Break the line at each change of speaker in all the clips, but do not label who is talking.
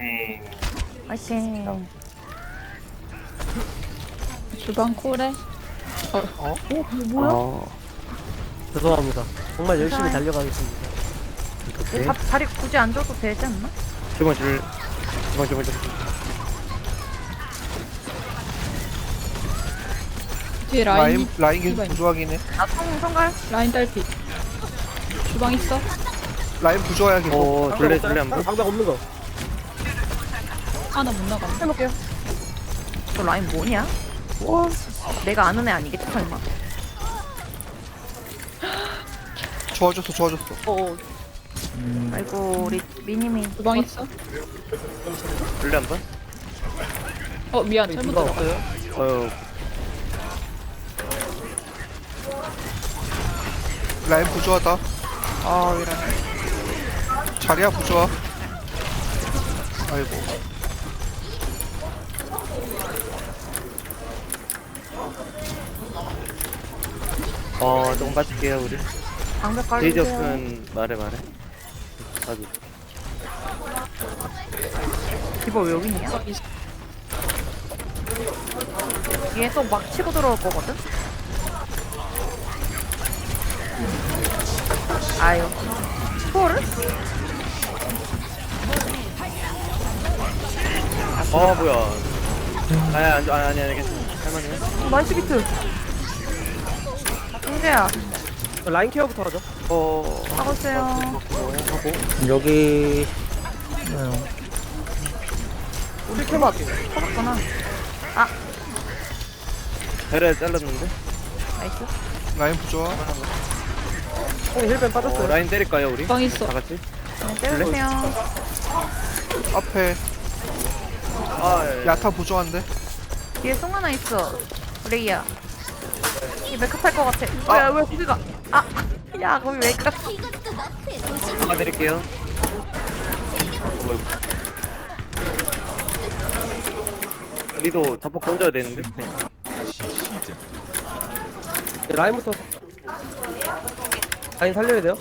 화이팅.
주방 콜에
뭐야?
죄송합니다. 정말 열심히
괜찮아요.
달려가겠습니다.
오케이.
자리 굳이 안 줘도 되지 않나?
주방.
뒤에 라인
라인 계속
이번.
부조하긴 해.
아, 성갈?
라인 딸피. 주방 있어?
라인 부조해야 계속.
둘레 한 번.
방벽 없는 거.
하나 못 나가.
해볼게요. 저 라인 뭐냐? 내가 아는 애 아니겠지, 설마.
좋아졌어.
아이고, 우리 미니미.
주방 있어?
둘레 한 번.
미안 잘못
누가
들어가.
없어요?
라인 부조하다. 아, 이런. 자리야 부조하. 아이고.
조금 빠질게요 우리.
방벽
제이지
깔리세요.
없으면 말해. 나도.
디바 왜 여기 있냐?
주방 있어.
얘 또 막 치고 들어올 거거든? 아유. 초를?
뭐야. 아니 괜찮아. 할만해.
나이스 비트. 홍재야,
라인 케어부터 하죠.
하고 있어요.
여기
우리 케어 할게.
터졌구나.
배를 잘랐는데.
나이스.
라인 부조하.
형이 힐벤 빠졌어요.
라인 때릴까요 우리?
주방 있어.
다 같이?
네, 때려주세요.
앞에
예.
야타 부조한데.
뒤에 송 하나 있어. 레이야. 이 메이크업 할것 같아. 왜 거기가? 야, 거기 메이크업.
드릴게요. 우리도 자폭 던져야 되는데.
라인부터. 라인 살려야 돼요.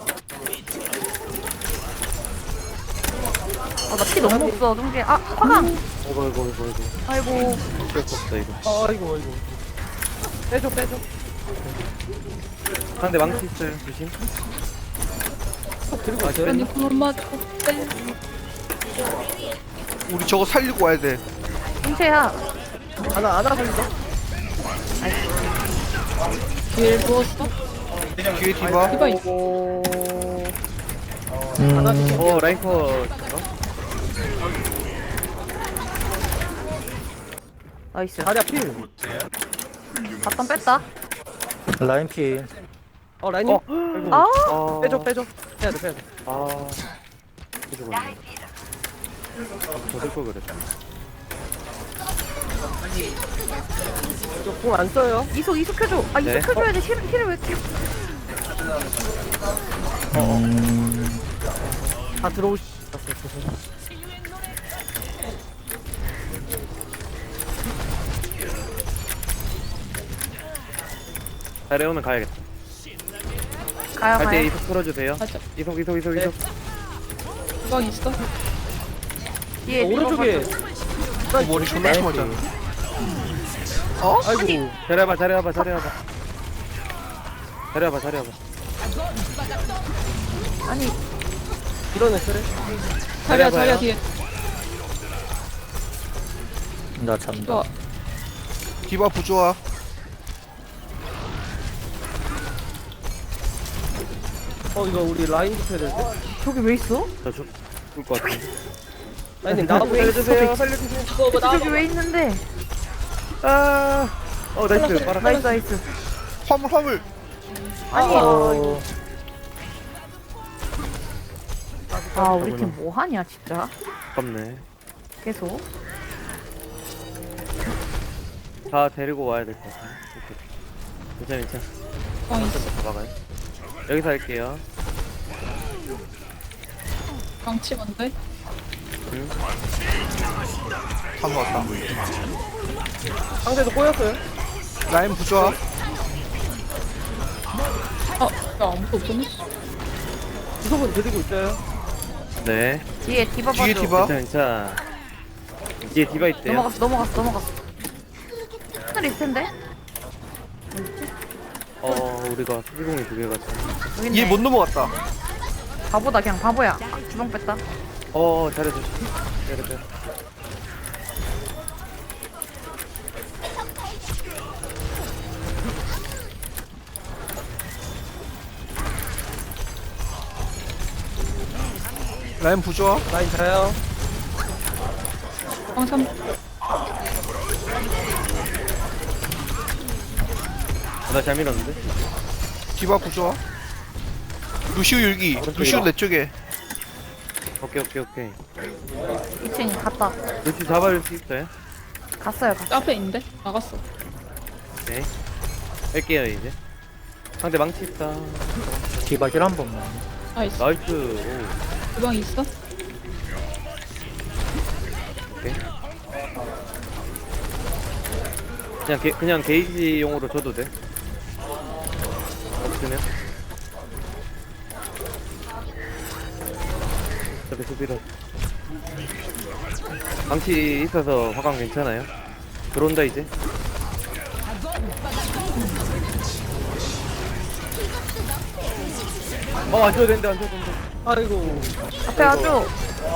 나 피 너무 없어, 동재. 화강.
이거.
아이고.
어쩔 수 없어 이거.
아이고. 빼줘.
상대 망치 있어요. 조심.
들고 있어요.
아니 그만 맞고 빼.
우리 저거 살리고 와야 돼.
동재야.
하나 살린다.
뒤에 누웠어?
뒤에 디바.
디바 있어.
라인커.
나이스.
자리야 필.
바텀 뺐다.
라인 피
라인님.
아,
빼줘. 빼야 돼.
저들 걸 그랬다.
저공안 써요.
이속 해줘.
네.
이속 해줘야지. 힐을 왜 이렇게.
다 들어오시.
자리 오면 가야겠다.
가요,
갈 때
가요.
이속 풀어주세요.
맞아.
이속.
네.
주방 있어?
뒤에
오른쪽에.
머리 존나 심하잖아.
아이고.
자리해봐.
아니,
이러네 그래.
자리야 뒤에.
나 잠다
좋아.
디바 부조하.
이거 우리 라인 붙여야 될 때.
저기 왜 있어?
저 죽을 것 같은데.
라인님 나도 살려주세요.
저기 왜 있는데?
나이스. 빨아.
나이스.
화물.
아니,
어,
우리 팀 뭐 하냐, 진짜.
아깝네.
계속.
다 데리고 와야 될 것 같아. 괜찮아.
주방 있어.
잡아가요. 여기서 할게요.
방치 뭔데?
다 모았다.
상대도 꼬였어요.
라인 부조하.
야 아무도 없었네.
구석은 드리고 있어요.
네.
뒤에 디바
뒤에
봐줘.
디바.
괜찮아. 뒤에 디바 있대요.
넘어갔어. 하늘 있을 텐데.
우리가 수비공이 두 개가 참.
여기 있네.
얘 못 넘어갔다.
바보다 그냥 바보야. 주방 뺐다.
잘해줘. 잘해줘.
라인 부조화.
라인 자요.
주방 3.
나잘 밀었는데?
디바 부조화. 루시우 율기. 루시우 내 쪽에.
오케이.
2층 갔다.
루시 잡아줄 수 있어요?
갔어요.
앞에 있는데? 나갔어.
네. 뺄게요, 이제. 상대 망치 있다.
디바 힐한 번만.
나이스.
나이스. 오.
주방 있어?
오케이. 그냥 게이지용으로 줘도 돼. 없으면. 어차피 수비로. 망치 있어서 화강 괜찮아요? 들어온다 이제. 안 줘도 된다.
아이고.
앞에 와줘.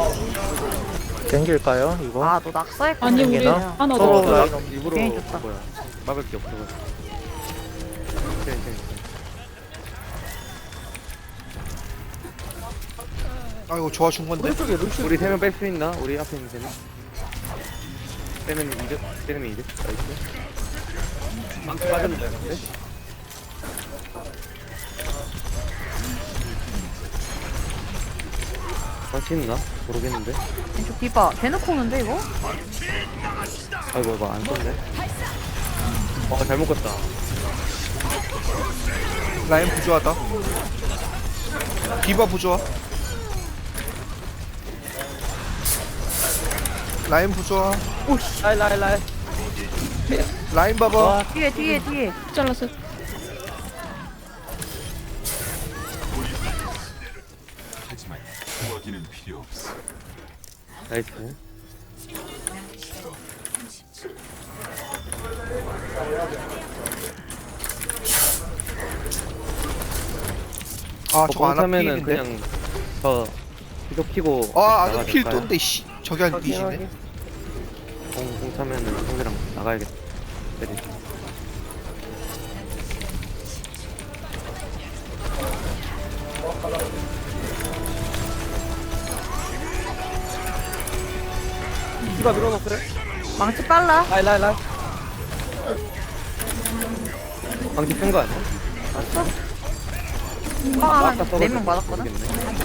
땡길까요 이거?
아, 너 낙서했구나.
아니 우리
나?
하나
서로
더.
라인
일부러
괜히 줬다.
막을 게 없어.
아이고 좋아 준 건데.
오른쪽에 루시.
우리 3명 뺄 수 있나? 우리 앞에 있는 3명? 빼면 이득? 나이스. 망치 빠졌네, 근데? 망치 있나? 모르겠는데?
왼쪽 디바. 대놓고 오는데, 이거?
아이고, 이거 안 썼네. 잘못 갔다.
라인 부조화다. 디바 부조화. 라인 부조화.
라인.
라인 봐봐.
뒤에.
잘랐어.
나이스.
아 저거 안
하면은
앞필인데.
그냥 계속 키고.
아안 필
나가야
떤데 씨. 저기 한 뒤지네.
공 차면은 상대랑 나가야겠다. 때리지.
디바 밀어넣었어요.
망치 빨라.
라인.
방지 뺀거 아니야?
한
아까
4명 맞았거든?
오케이.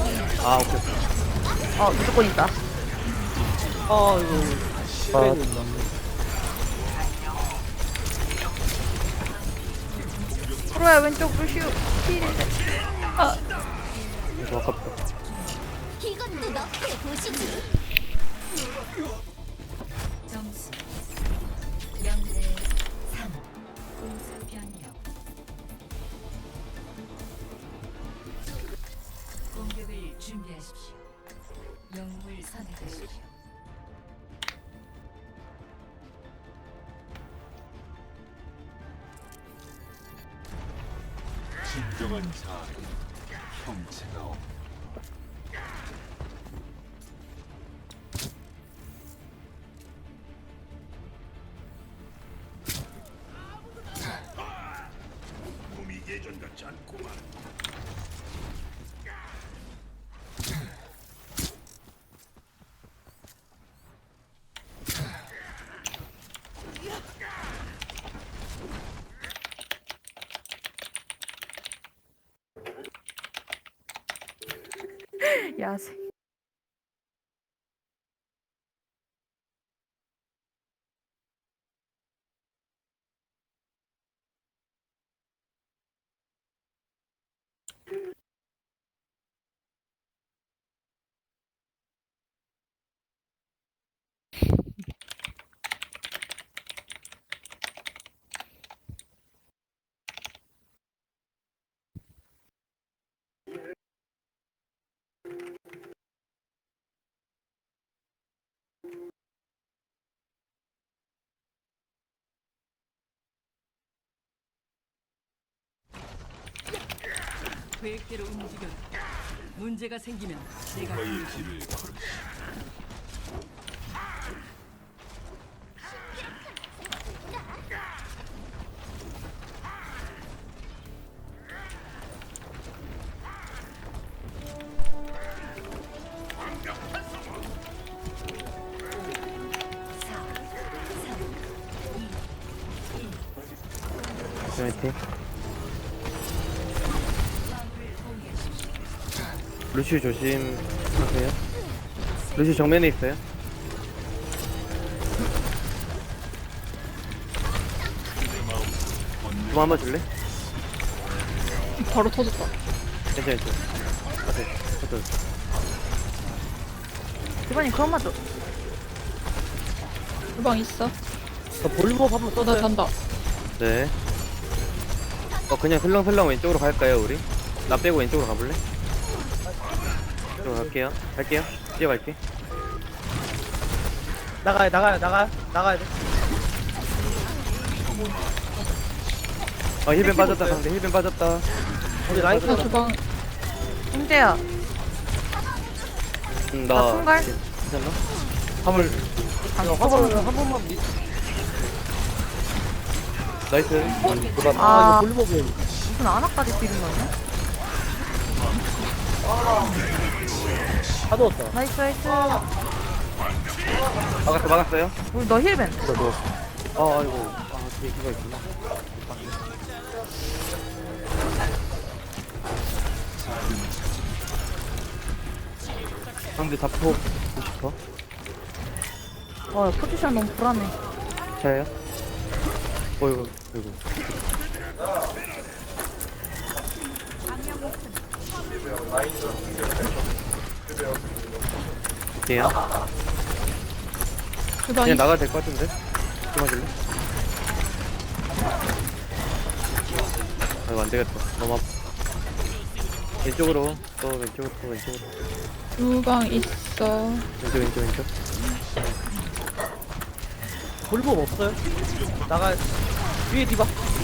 무조건 있다.
이거.
프로야, 왼쪽 루시우. 힐인데.
이거 아깝다.
이것도 너프에 보시지.
점수 0대 3 공수 변경 공격을 준비하십시오. 영웅을 선택하십시오.
진정한 자아는 형체가 없다. 몸이 예전 같지 않구만.
야생.
계획대로 움직여. 문제가 생기면 내가
너의 길을 걸으
화이팅. 루시우 조심하세요. 루시우 정면에 있어요. 좀 한번 줄래?
바로 터졌다.
괜찮아. 오케이.
이번엔 그만 맞아.
주방 있어.
저 볼륨업 한번
나
써줘요.
잔다.
네. 그냥 슬렁슬렁 왼쪽으로 갈까요, 우리? 나 빼고 왼쪽으로 가볼래? 이쪽으로 갈게요. 뛰어갈게.
나가야 돼.
힐벤 빠졌다, 상대. 힐벤 빠졌다.
우리 라인
나
끊어.
주방
문제야. 나
나.
총괄?
괜찮나? 화물.
한 번만 미.
나이스.
아,
이거 볼륨업이.
무슨 아나까지 비는 거냐?
다 넣었다.
나이스.
막았어요?
우리 너 힐벤.
아이고. 뒤에 기가 있구나. 상대 잡고 싶어?
포지션 너무 불안해.
저요? 어이구. 어때요?
주방
그냥
있어.
나가도 될 것 같은데? 좀 하실래? 아이고 안되겠다. 너무 아파. 왼쪽으로 왼쪽으로
주방 있어.
왼쪽.
볼륨업 없어요? 위에 디바.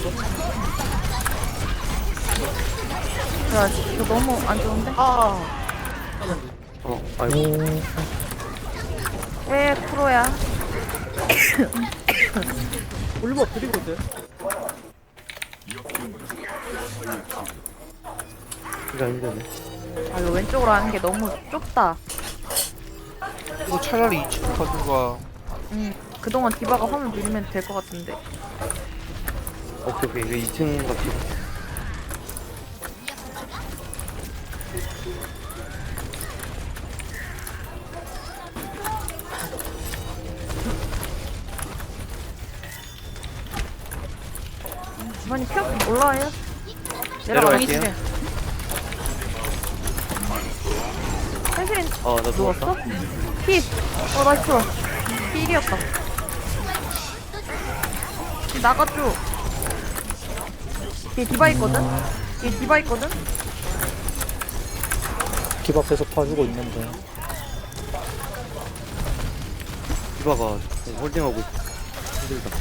야, 이거 너무 안 좋은데?
아이고.
왜 프로야?
볼륨업 드리고 있어요.
이거 힘드네.
이거 왼쪽으로 하는 게 너무 좁다.
이거 차라리 2층 가든가.
그동안 디바가 화면 밀면 될 것 같은데.
오케이. 이거 2층 갑시다.
이번이 표 올라와요?
내려갈게요.
펜슬린
나
누웠어? 피! 나이스. 필이었다. 나가줘. 뒤에 디바 있거든?
집 앞에서 봐주고 있는데.
디바가 홀딩하고 있어. 힘들다.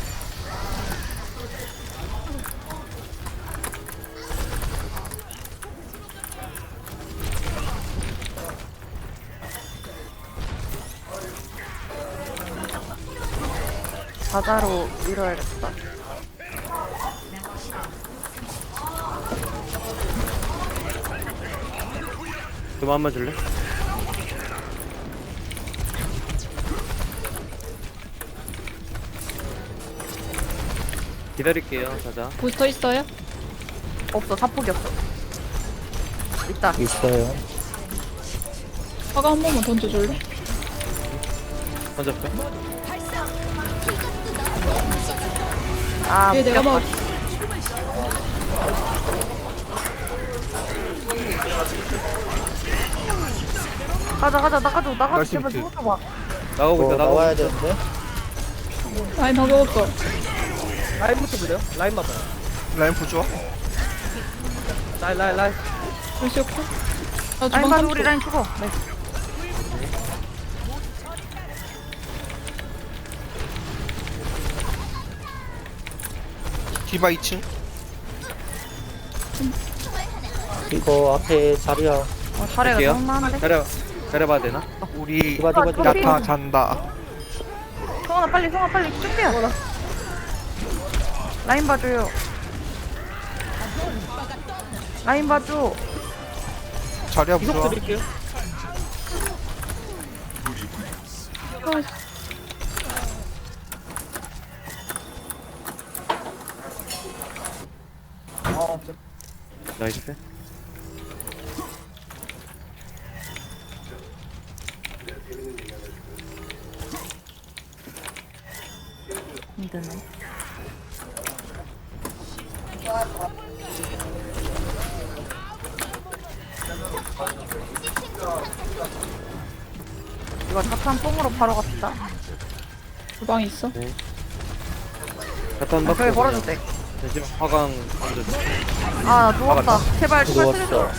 바다로 밀어야겠다.
좀 한번 줄래? 기다릴게요, 자자.
부스터 있어요?
없어, 사폭이 없어. 있다.
있어요.
화가 한 번만 던져줄래?
던졌어?
아,
얘 내가 막
가자, 나가줘,
나이스
제발
비트.
누워봐.
나가고 있어, 나가고
나와야
있어.
되는데.
라인 방금 없어.
라인부터 보세요. 라인 맞아요.
라인 부좋아.
라인.
루시 없고. 나
라인
주방
가서
3초.
우리 라인 죽어. 네.
디바 2층.
이거 앞에 자리야.
자리가
할게요.
너무 많은데.
가려봐야 되나?
우리
디바 디바 디바.
야타 잔다.
성원아 빨리 쭉빼요. 라인 봐줘요. 라인 봐줘.
자리야
이속
부좋아.
드릴게요.
나이스.
힘드네. 이거 자탄 뽕으로 바로 갑시다.
주방에 있어?
자탄 받고
저기 걸어도 돼.
잠시만 화강 던져줘.
아, 누웠다.
막았다.
제발
누웠어.
살려줘.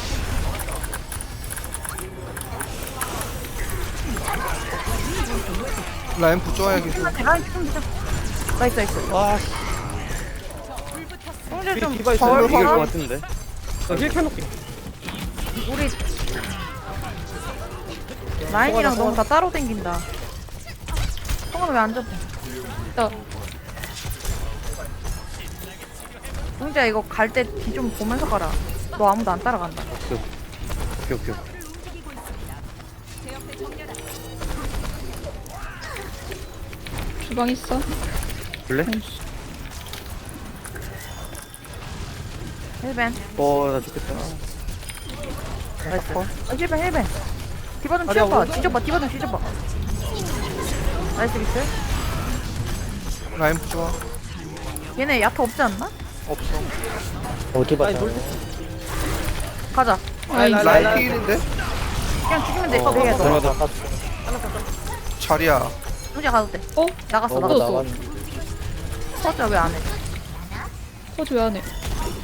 라인 부좋아야 계속.
라인 좀 주자. 나이스.
와,
형제 좀
디바 있어요.
덜
이길 것
걸어.
같은데.
힐 켜놓게.
우리 라인이랑 너무 다 따로 댕긴다. 형은 왜 안 잡혀?
나
형제 이거 갈 때 뒤 좀 보면서 가라. 너 아무도 안 따라간다.
오케이.
주방 있어?
볼래?
힐벤.
나 죽겠다.
나이스. 힐벤. 디바 좀
아니야,
치워봐.
오른쪽.
디바 좀 뒤져봐. 나이스 비스.
라인 부좋아.
얘네 야타 없지 않나?
없어.
어디
라인
봐요?
돌.
가자.
라인 피일인데?
그냥 죽이면 돼.
어,
되게
들어가자.
더.
나갔어.
자리야.
형제 가도 돼.
어?
나갔어.
너무
나갔어.
나갔네.
서자 왜안 해?
서지 왜 안 해?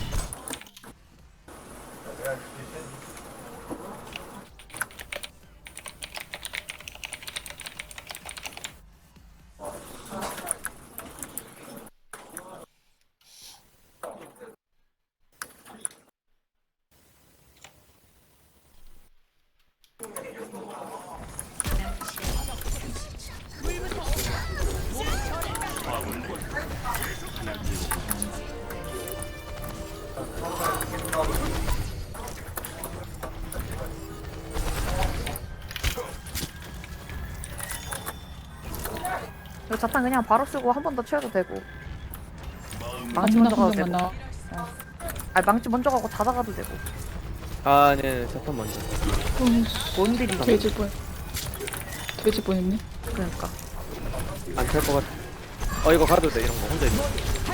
이거 자탄 그냥 바로 쓰고 한 번 더 채워도 되고. 망치
아무나
먼저 가도
한
되고.
명만 나.
아니 망치 먼저 가고 닫아가도 되고.
네, 자탄 먼저.
뭔들이
돼지 뻔. 돼지 뻔했네.
그러니까.
안 탈 것 같아. 이거 가도 돼, 이런 거. 혼자 있는 거.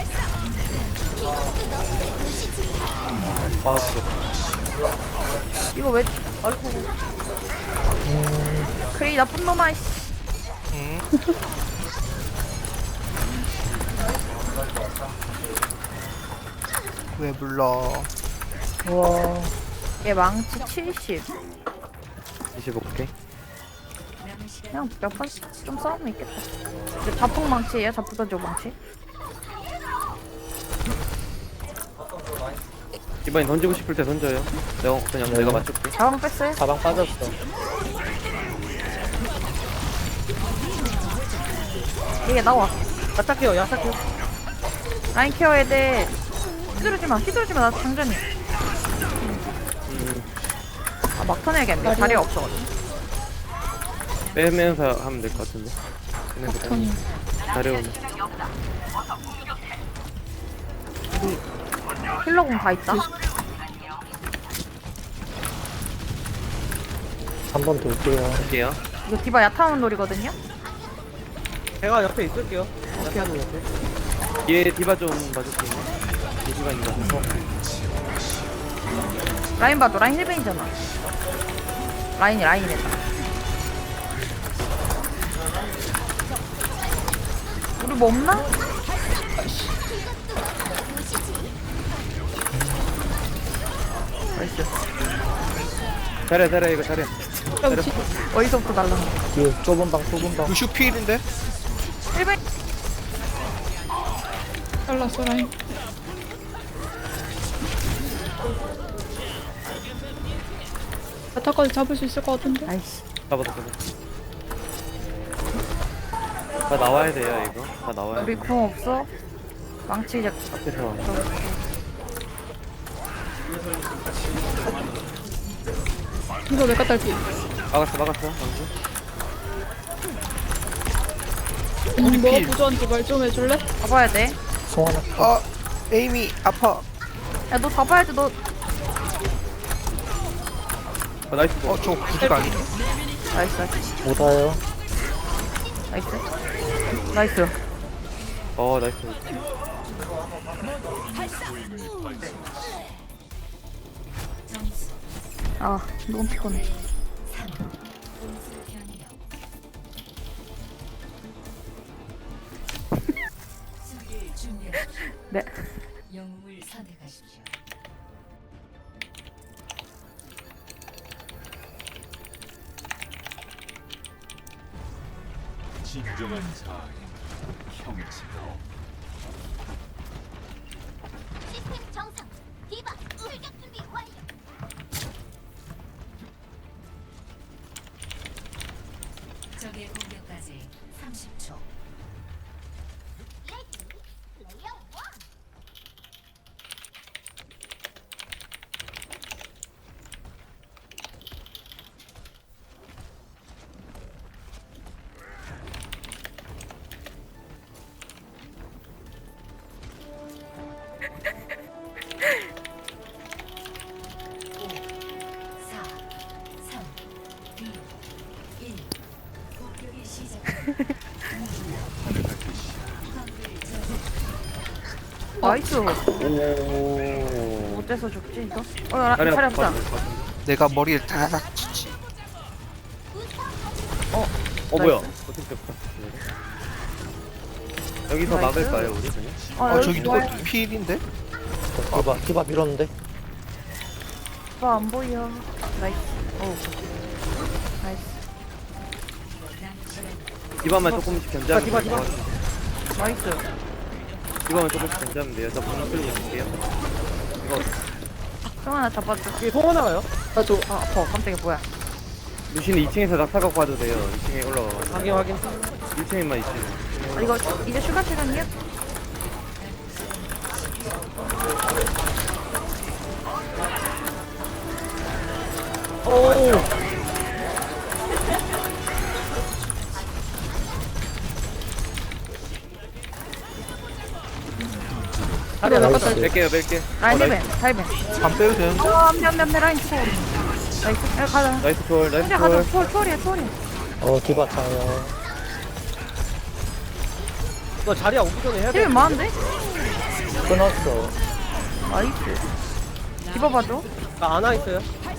이거 왜? 아이고. 그래 나쁜 놈아. 씨.
응. 왜 불러?
우와.
얘 망치 70.
25K.
그냥 몇 번 좀 싸우면 있겠다. 근데 자폭 망치예요? 자폭 던져 망치?
이번엔 던지고 싶을 때 던져요. 내가 맞출게.
자방 뺐어요?
가방 빠졌어.
얘 나와.
야착해요. 야착해요.
라인 케어해야 돼. 휘두르지 마. 나 장전이. 아 막턴 해야겠네. 자리가 없어가지고.
빼면서 하면 될 것 같은데.
턴이.
자려오네.
힐러공 다 있다.
한 번 돌게요.
할게요.
이거 디바 야타운 놀이거든요.
제가 옆에 있을게요. 야타는 옆에.
얘 디바 좀 봐줄게. 이 시간이 맞아서.
라인 봐도 라인 힐벤이잖아. 라인이다. 우리 뭐 없나? 나이스.
잘해, 이거 잘해.
어디서부터 날라?
뒤에 좁은 방.
루슈 피일인데?
힐벤.
잘랐어 라인. 야타까지 잡을 수 있을 것 같은데?
아이씨.
잡았어. 다 나와야 돼요 이거. 다 나와야
우리
돼.
공 없어? 망치 잡.
앞에서.
이거 메카 딸피.
막았어 방금.
우리 뭐
필.
부조한테 말 좀 해줄래?
잡아야 돼.
송하나
아 에임이 아파.
야, 너 잡아야지, 너.
나이스.
저 구두가 아니네.
나이스, 나이스.
못 와요.
나이스. 나이스.
나이스.
아, 너무 피곤해. 네.
영웅을 선택하십시오.
진정한 자아의 형체가
시스템 정상. 디바 출격 준비 완료.
적의 공격까지 30초.
레디 플레이어 원.
공격이 시작.
나이스.
오.
어째서 죽지, 이거? 야,
자리
차리
없다.
없다.
내가 머리를 다닥 치지.
뭐야? 어떻게 됐다. 여기서
나이스.
막을까요 우리 그냥?
저기 누가
좋아요.
필인데?
디바 밀었는데.
오빠 안 보여. 나이스. 오. 나이스.
디바만 조금씩 견제하면
디바,
돼요.
나이스.
디바만 조금씩 견제하면 돼요. 저 분노 끌리 볼게요. 이거
형 하나 잡아줘.
이게 송하나 가요?
나도. 아, 아파. 깜짝이야, 뭐야.
루시는 2층에서 낙타각 봐도 돼요. 2층에 올라가.
확인.
1층에만 2층.
아, 이거 이제 슈가 시간이야?
오.
자리야 나갔다.
뺄게요 뺄게.
라인 힐벤.
나이스.
다이벤.
안 빼도 되는데?
안돼 라인 초. 나이스. 야, 가자.
나이스 콜 나이스
혼자 가자.
콜.
초월이야, 초월이야.
디바 차요.
너 자리야 오기 전에 해야 돼.
힐벤 많은데?
끊었어.
나이스. 집어봐줘.
나 안와 있어요.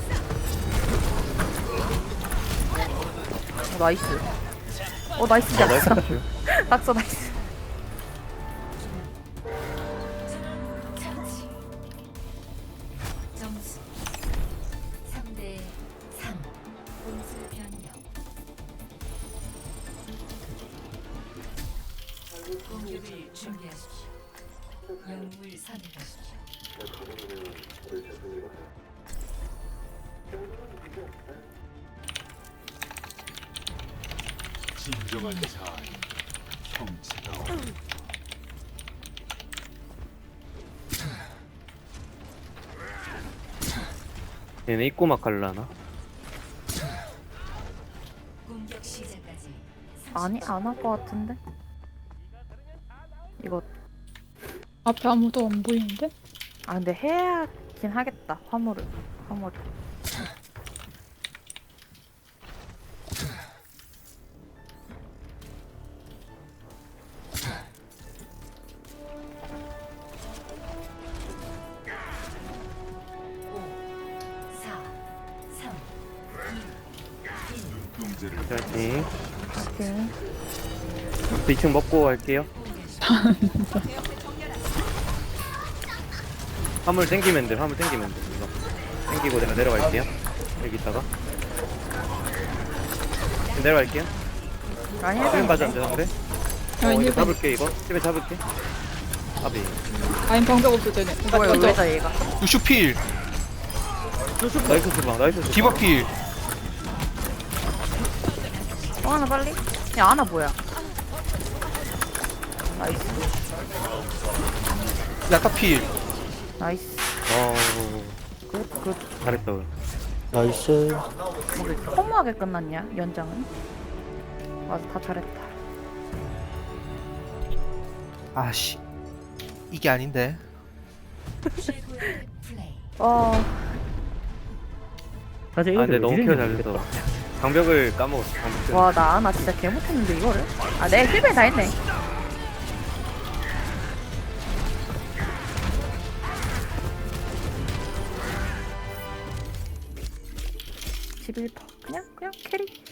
나이스. 나이스.
나이스.
낙서. 낙서 나이스.
점수 3대 3. 공수 변경. 공격을 준비하십시오. 영웅을 선택하십시오.
진정한 자아의 형체가
얘네 입고 막 갈라나?
공격 시작까지
아니 안 할 것 같은데. 이거
앞에 아무도 안 보이는데?
근데 해야긴 하겠다. 화물을.
눈동자를
파이팅.
오케이.
2층 먹고 갈게요. 화물 땡기면 돼. 화물 땡기면 돼. 이거 땡기고 내가 내려갈게요. 여기 있다가 내려갈게요.
라인
수면
힐벤.
맞았는데 상대.
라인
이거
1번.
잡을게 이거. 집에 잡을게. 아비.
라인 방벽 없어도 되네.
뭐야
먼저.
왜다 얘가.
루슈 필.
나이스 디바 나이스 디바.
디바 필.
하나 빨리. 야 아나 뭐야? 나이스
야타 필.
나이스.
굿 잘했다 우리.
나이스.
뭐 이렇게 허무하게 끝났냐 연장은? 맞아 다 잘했다.
아씨. 이게 아닌데.
사실
아
이거
근데 너무 케어 잘했어. 방벽을 까먹었어. 방벽.
와 나 아나 진짜 개 못했는데 이거를? 아 내 힐벨 다 했네. 11%. 그냥 캐리.